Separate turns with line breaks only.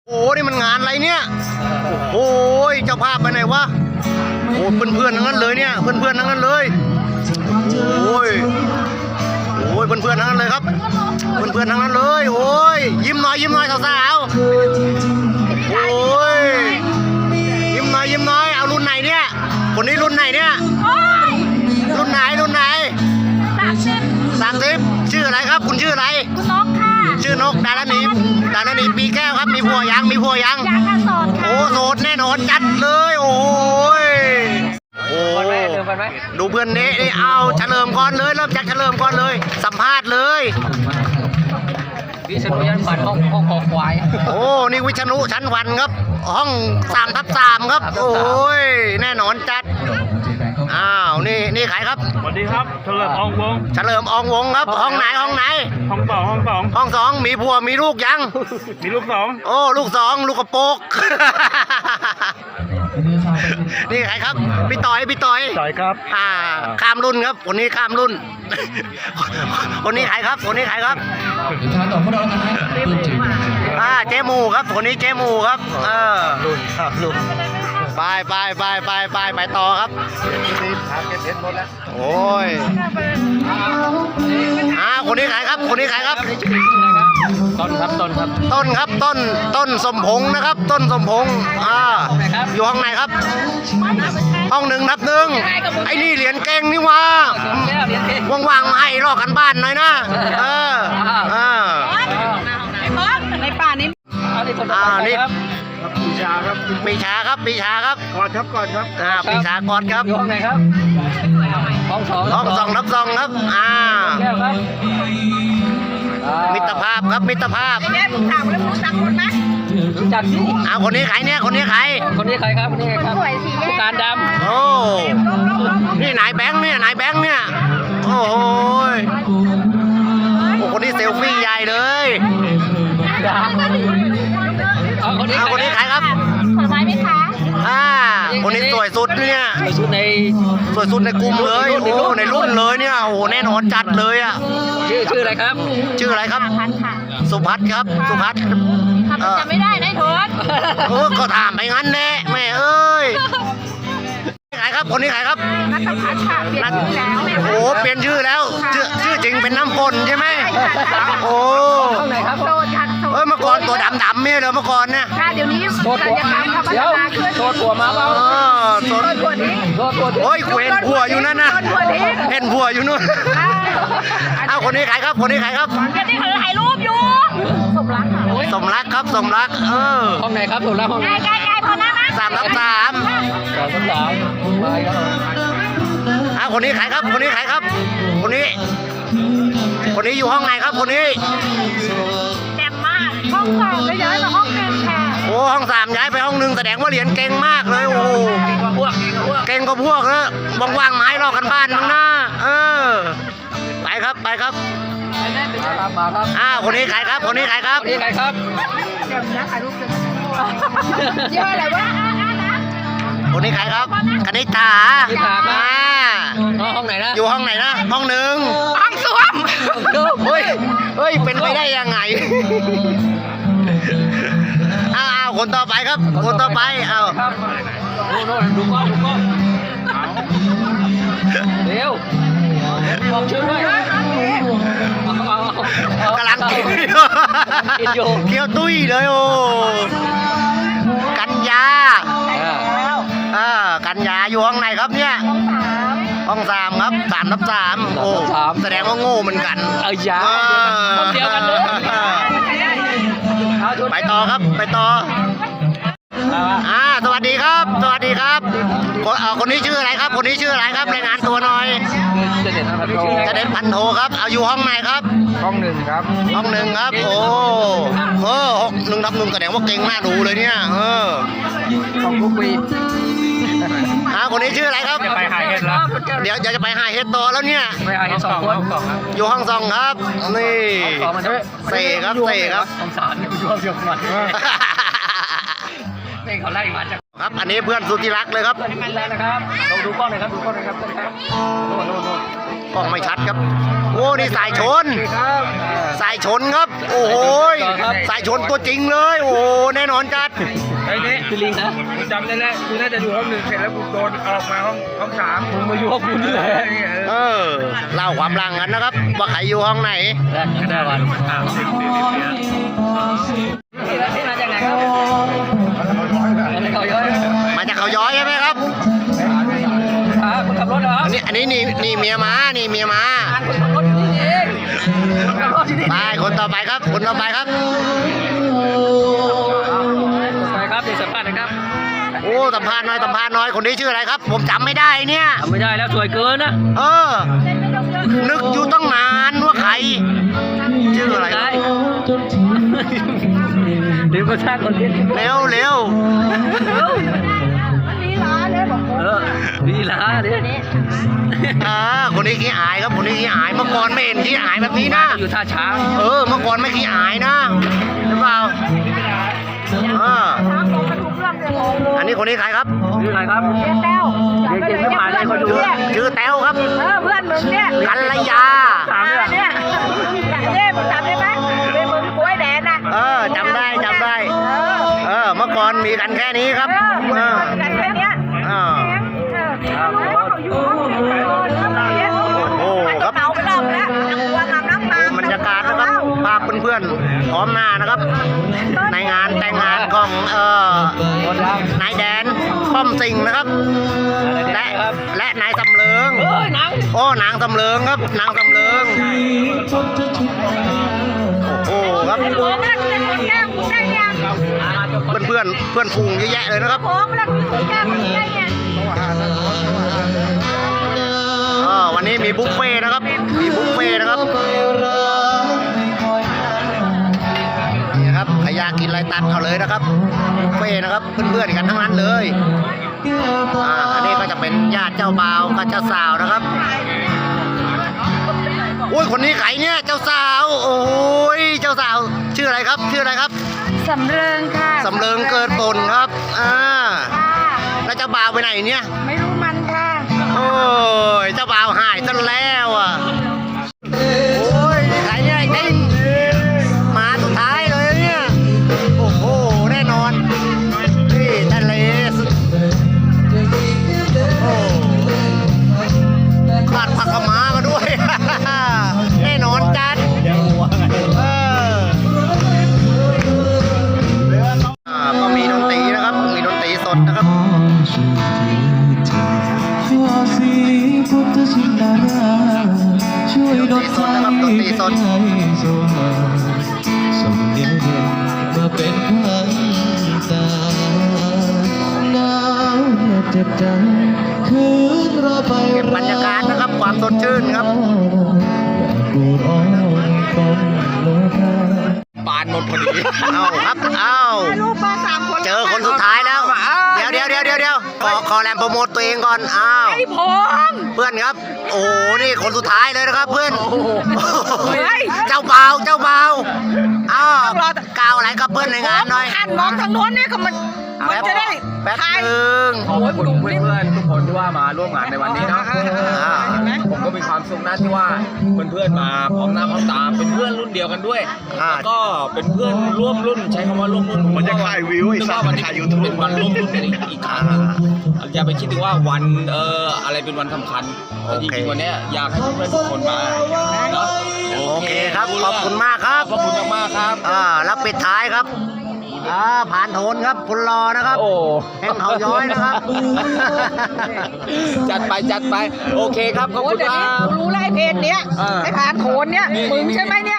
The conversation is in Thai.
โอ้นี่มันงานอะไรเนี่ยโอ้ยเจ้าภาพไปไหนวะโอ้เพื่อนๆทั้งนั้นเลยเนี่ยเพื่อนๆทั้งนั้นเลยโอ้ยเพื่อนๆทั้งนั้นเลยครับเพื่อนๆทั้งนั้นเลยโอ้ยยิ้มหน่อยสาวๆโอ้ยยิ้มหน่อยเอารุ่นไหนเนี่ยคนนี้รุ่นไหนเนี่ยรุ่นไหน30ชื่ออะไรครับคุณชื่ออะไร
คุณนกค่ะ
ชื่อนกดารณีปีแก้วครับมีผัวยัง
ยังค่ะโสดค่ะ
โอ้โสดแน่นอนจัดเลยโอ้ยดูเพื่อนนี้เอาเฉลิมก่อนเลยเริ่มจากเฉลิมก่อนเลยสัมภาษณ์เลย
วิษณุยันฝันห้องคอควาย
โอ้นี่วิษณุชั้นวันครับห้อง3/3ครับโอ้ยแน่นอนจัดอ้าวนี่ใครครับ
สวัสดีครับเฉลิมอองวง
ครับห้องไหน
ห้องสอง
มีผัวมีลูกยัง
มีลูกสอง
โอ้ลูก2ลูกกระโปกนี่ใครครับพี่ต่อย
ครับ
ข้ามรุ่นครับคนนี้ข้ามรุ่นคนนี้ใครครับเจ๊หมูครับคนนี้เจ๊หมูครับรุ่นไปต่อครับโอ้ยคนนี้ใครครับต้นสมพงษ์นะครับต้นสมพงษ์อยู่ห้องไหนครับห้อง1/1ไอ้นี่เหรียญเก่งนี่ว่าว่างๆมาให้ลอกกันบ้านหน่อยนะ
ในป่านี้
นี่
ปีชาครับ
กอดครับ
ปีชาก
อดครับ
อยู่ห้องไหนครับห้อง
2/2ครับมิตรภาพครับ
เนี่ยผมถามแล้วรู้จักคนไหม
รู้จักสิ
คนนี้ใครครับ
ผู้การดำ
โอ้นี่นายแบงค์เนี่ยโอ้โหคนนี้เซลฟี่ใหญ่เลยคนนี้ใครครับ
ผลไม้ไหมคะ
คนนี้สวยสุดเนี่ย
สวยสุดใน
กลุ่มเลยโอ้ในรุ่นเลยเนี่ยโอ้แน่นอนจัดเลย
ชื่ออะไรครับ
สุพัฒน์ครับ
จำไม่ได้นะโทษ
ก็ถามไปงั้นแน่แม่เอ้ยคนนี้ใครครับ
นัทพัฒน์ค่ะเปลี่ยนชื่อแล้ว
โอ้เปลี่ยนชื่อแล้วชื่อจริงเป็นน้ำฝนใช่ไหมโอ้
โสดค่ะ
เมื่อก่อนตัวดำเนี่ยเลยเมื่อก่อนเนี่ย
เดี๋ยวนี้โสดผัว
โสดผัวมาเปล่า
โสดผัวนี้
โอ้ยเห็นผัวอยู่นั่นนะเห็นผัวอยู่นู่นคนนี้ใครครับ
เดี๋ยวนี้เขาถ่ายรูปอยู่สมรัก
ห้องไหนครับสมรักห้องไหน
ใกล้พอนะ
3/3คนนี้ใครครับคนนี้อยู่ห้องไหนครับคนนี้
แจ่มมากห้อง2เลยย้ายมาห้อง1ค่ะ
โอ้ห้อง3ย้ายไปห้อง1แสดงว่าเหรียญเก่งมากเลยโอ้เก่งก็พวกนะว่างๆไม้รอกันบ้านมั้งนะไปครับ
มาครับ
คนนี้ใครครับ
เดี๋ยวนะถ่ายรูปกัน
ยี่ห้ออะไรวะ
คนนี้ใครครับคณิตา
ห้องไหนนะ
อยู่ห้องไหนนะห้อง1
ห้องส้วม
เฮ้ยเป็นไปได้ยังไงคนต่อไปครับคนต่อไป
ดูกล้องเร็วบอกชื่อด้วย
กำลังกินอยู่เคี้ยวตุ้ยเลยโอ้กัญญาอยู่ห้องไหนครับเนี่ยห้อง3ครับ3/3โอ้แสดงว่าโง่เหมือนกัน
ห้องเดียวกันเลย
ไปต่อครับสวัสดีครับคนนี้ชื่ออะไรครับรายงานตัวหน่อยจะเด็ดพันโทครับอยู่ห้องไหนครับ
ห้อง1ครับ
ห้อง1ครับโอ้1/1แสดงว่าเก่งน่าดูเลยเนี่ย
ของกุ๊กปี
คนนี้ชื่ออะไรครับ
จะไปหาเห็ดแล้ว
เดี๋ยวจะไปหาเห็ดต่อแล้วเนี่ย
ไปหาเห็ด2 คน
อยู่ห้อง2ครับนี่เสครับ
ห้อง3อยู่ห้องเดียวกันเขาไล่มาจาก
ครับอันนี้เพื่อนสุธิรักเลยครับ
นะครับดูกล้องหน่อยครับโน่น
กล้องไม่ชัดครับโอ้นี่สายชน
ครับ
สายชนครับ โอ้โหสายชนตัวจริงเลย โอ้โหแน่นอนจัด
ไอ้นี่คือลิงนะกูจำได้แล้วกูน่าจะอยู่ห้องหนึ่งเสร็จแล้วกูโดนออกมาห้องสามมึงมาอยู่ห้องกูนี่แหละ
เออเล่าความหลังกันนะครับ ว่าใครอยู่ห้องไหน
ได้วัน
ที่มาจากไหนครับเขาย้อย
มาจากเขาย้อยใช่ไหมครับ
คนขับรถเหรอ
อันนี้นี่เมียม้านี่เมียม้า
คนขับรถอยู่นี่เองขับรถที่นี่
ไปคนต่อไปครับคนต่อไปครับ
ไปครับเดี๋ยวสัมภาษณ์นะครับ
โอ้สัมภาษณ์น้อยคนนี้ชื่ออะไรครับ ผมจำไม่ได้เนี่ย
ทำไม่ได้แล้วสวยเกินนะ
เออ นึกอยู่ตั้งนานว่าใคร ชื่ออะไร
ได้เดี๋ยวมาสร้างคอนเทนต์
เร็ว
มันลีลาเลยบอก
ลีลาเนี่ย
คนนี้ขี้อายครับคนนี้ขี้อายเมื่อก่อนไม่เห็นขี้อายแบบนี้นะ
อยู่ท่าช้าง
เออเมื่อก่อนไม่ขี้อายนะหรือเปล่า
ช้างบอกกระทุกเรื่องเลยบอก
อันนี้คนนี้ใครครับ
ชื่ออะไรครับ
เจ๊แต้ว
เด็กๆไม่ผ่านเลยคนดู
ชื่อแต้วครับ
เพื่อนมึงเนี่ย
กัลยา
เนี่ยมึงจำได้ไหมเป็นมึงกล้วยแดนน่ะ
จำได้เมื่อก่อนมีกันแค่นี้ครับ
กันแค่เนี้ย
โอ้ครับ
เมาไปรอบแล้วตัวงามน้ำตา
บรรยากาศนะครับภาพเพื่อนๆพร้อมหน้านะครับ ในงานแต่งงานของนายแดนป้อมสิงห์นะครับ และนายสำเริงโอ้นางสำเริงครับนางสำเริงโอ้ครับ
หัวมันเป็นคนแก้มได้ยัง
เพื่อนฝูงเยอะแยะเลยนะครับ
หัวมันเป็นคนแก้มได้ยัง
วันนี้มีบุฟเฟ่ต์นะครับ มีบุฟเฟ่ต์นะครับนี่นะครับใครอยากกินอะไรตัดเอาเลยนะครับบุฟเฟ่ต์นะครับเพื่อนๆกันทั้งนั้นเลยอันนี้ก็จะเป็นญาติเจ้าบ่าวกับเจ้าสาวนะครับโอ้ยคนนี้ใครเนี่ยเจ้าสาวโอ้ยเจ้าสาวชื่ออะไรครับชื่ออะไรครับ
สำเริงค่ะ
สำเริงเกิดตนครับแล้วเจ้าบ่าวไปไหนเนี่ย
ไม่รู้มันค่ะ
โอ้ยเจ้าบ่าวหายซะแล้วอ่ะโอ้ยใครเนี่ยไอ้ติ้งมาสุดท้ายเลยเนี่ยโอ้โหแน่นอนนี่ทะเลสุดโอ้ขาดผักกะมามาด้วย แน่นอนจัดก็มีดนตรีนะครับ มีดนตรีสดนะครับ
ช่วยดลใจให้โซมาส่งเดียวเด่นมาเป็นควันตาหนาวเหน็บเจ็บใจคืนรอไป
เก็บบรรยากาศนะครับความสดชื่นครับ
กูร้องต้องโลภะ
ปานหมดพอดีเอาครับเอา
ลูกมา3 คน
เจอคนสุดท้ายแล้วเดี๋ยวขอแรมโปรโมทตัวเองก่อนอ้าว
ไอ้พง
เพื่อนครับโอ้โหนี่คนสุดท้ายเลยนะครับเพื่อน
เฮ้ย
เจ้าบ่าวอ้าวกล่าวอะไรกับเพื่อนในงานหน่อย
หันมองทางโน้นเนี่ยก็มันจะได้
แป๊บนึง
ขอบคุณเพื่อนๆทุกคนที่ว่ามาร่วมงานในวันนี้เนาะผมก็มีความสุขนะที่ว่าเพื่อนๆมาพร้อมหน้าพร้อมตาเป็นเพื่อนรุ่นเดียวกันด้วยแล้วก็เป็นเพื่อนร่วมรุ่นใช้คำว่าร่วมรุ่นมันจะขายวิวไอ้สัตว์มันขายยูทูบเป็นวันร่วมรุ่นกันอีกครั้งอย่าไปคิดถึงว่าวันอะไรเป็นวันสำคัญแต่จริงๆวันนี้อยากให้เพื่อนๆทุกคนมาเนาะ
โอเคครับขอบคุณมากครับ
ขอบคุณมากๆครับ
แล้วปิดท้ายครับผ่านโทนครับคุณรอนะครับ
โอ้
แห่งเขาย้อยนะครับ
จัดไปโอเคครับขอบคุณครับ
รู้แล้วไอ้เพจเนี้ยไอ้ผ่านโขนเนี้ยมึงใช่ไหมเนี่ย